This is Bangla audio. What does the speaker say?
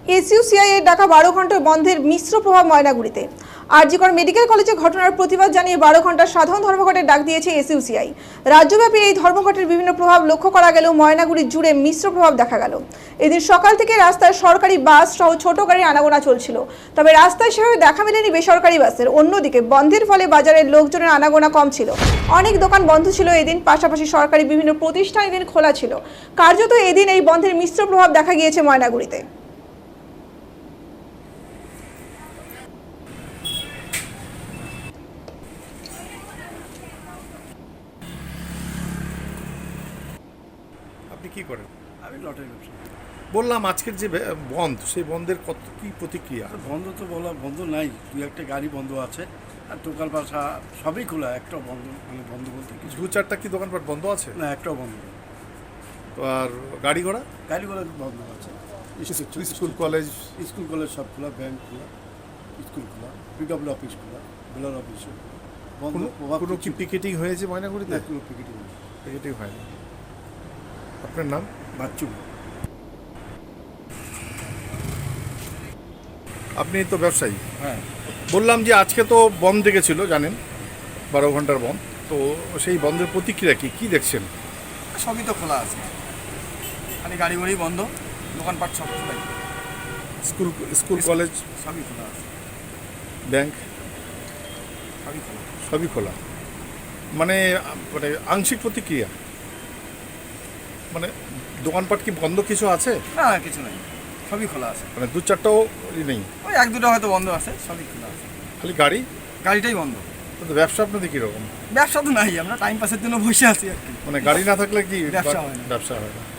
এসইউসিআই এর ডাকা 12 ঘন্টার বন্ধের মিশ্র প্রভাব ময়নাগুড়িতে। জি কর মেডিকেল কলেজে ঘটনার প্রতিবাদ জানিয়ে 12 ঘন্টার সাধারণ ধর্মঘটের ডাক দিয়েছে এসইউসিআই। রাজ্যব্যাপী এই ধর্মঘটের বিভিন্ন প্রভাব লক্ষ্য করা গেলেও ময়নাগুড়ি জুড়ে মিশ্র প্রভাব দেখা গেল। এদিন সকাল থেকে রাস্তায় সরকারি বাস সহ ছোট গাড়ির আনাগোনা চলছিল, তবে রাস্তায় সেভাবে দেখা মেলেনি বেসরকারি বাসের। অন্যদিকে বন্ধের ফলে বাজারের লোকজনের আনাগোনা কম ছিল, অনেক দোকান বন্ধ ছিল এদিন। পাশাপাশি সরকারি বিভিন্ন প্রতিষ্ঠান এদিন খোলা ছিল। কার্যত এদিন এই বন্ধের মিশ্র প্রভাব দেখা গিয়েছে ময়নাগুড়িতে। আপনি কি করেন? আমি লটারি ব্যবসা। বললাম আজকের যে বন্ধ, সেই বন্ধের কত কি প্রতিক্রিয়া? বন্ধ তো বলা বন্ধ নাই, দুই একটা গাড়ি বন্ধ আছে, আর দোকান পাশা সবই খোলা, একটাও বন্ধ মানে বন্ধ বলতে কিছু দু চারটা কি দোকানপাট বন্ধ আছে? না, একটাও বন্ধ নেই। তো আর গাড়ি ঘোড়া? গাড়িগুলো বন্ধ আছে। স্কুল কলেজ স্কুল কলেজ সব খোলা, ব্যাংক খোলা, স্কুল খোলা, পিডব্লিউ অফিস খোলা, বেলার অফিস বন্ধ। কোনো কি পিকেটিং হয়েছে ময়নাগুড়িতে? কোনো পিকেটিং নেই। পিকেটিং হয়নি। আপনার নাম? বাচ্চু। আপনি তো ব্যবসায়ী। হ্যাঁ, বললাম যে আজকে তো বন্ধ ডেকেছিল, জানেন 12 ঘন্টার বন্ধ। তো সেই বন্ধের প্রতিক্রিয়া কি দেখছেন? সবই তো খোলা আছে, খালি গাড়ি বাড়ি বন্ধ, দোকানপাট সব খোলাই, স্কুল কলেজ সবই খোলা আছে, ব্যাংক সবই খোলা। সবই খোলা। মানে মানে আংশিক প্রতিক্রিয়া, মানে দোকানপাট কি বন্ধ কিছু আছে? না না, কিছু নেই, সবই খোলা আছে। মানে দু চারটাও নেই? ওই এক দুটো হয়তো বন্ধ আছে, সবই খোলা আছে, খালি গাড়ি। গাড়িটাই বন্ধ। কিন্তু ব্যবসা আপনাদের কীরকম? ব্যবসা তো নাই, আমরা টাইম পাসের জন্য বসে আছি আর কি। মানে গাড়ি না থাকলে কি ব্যবসা হয় না। ব্যবসা হয় না?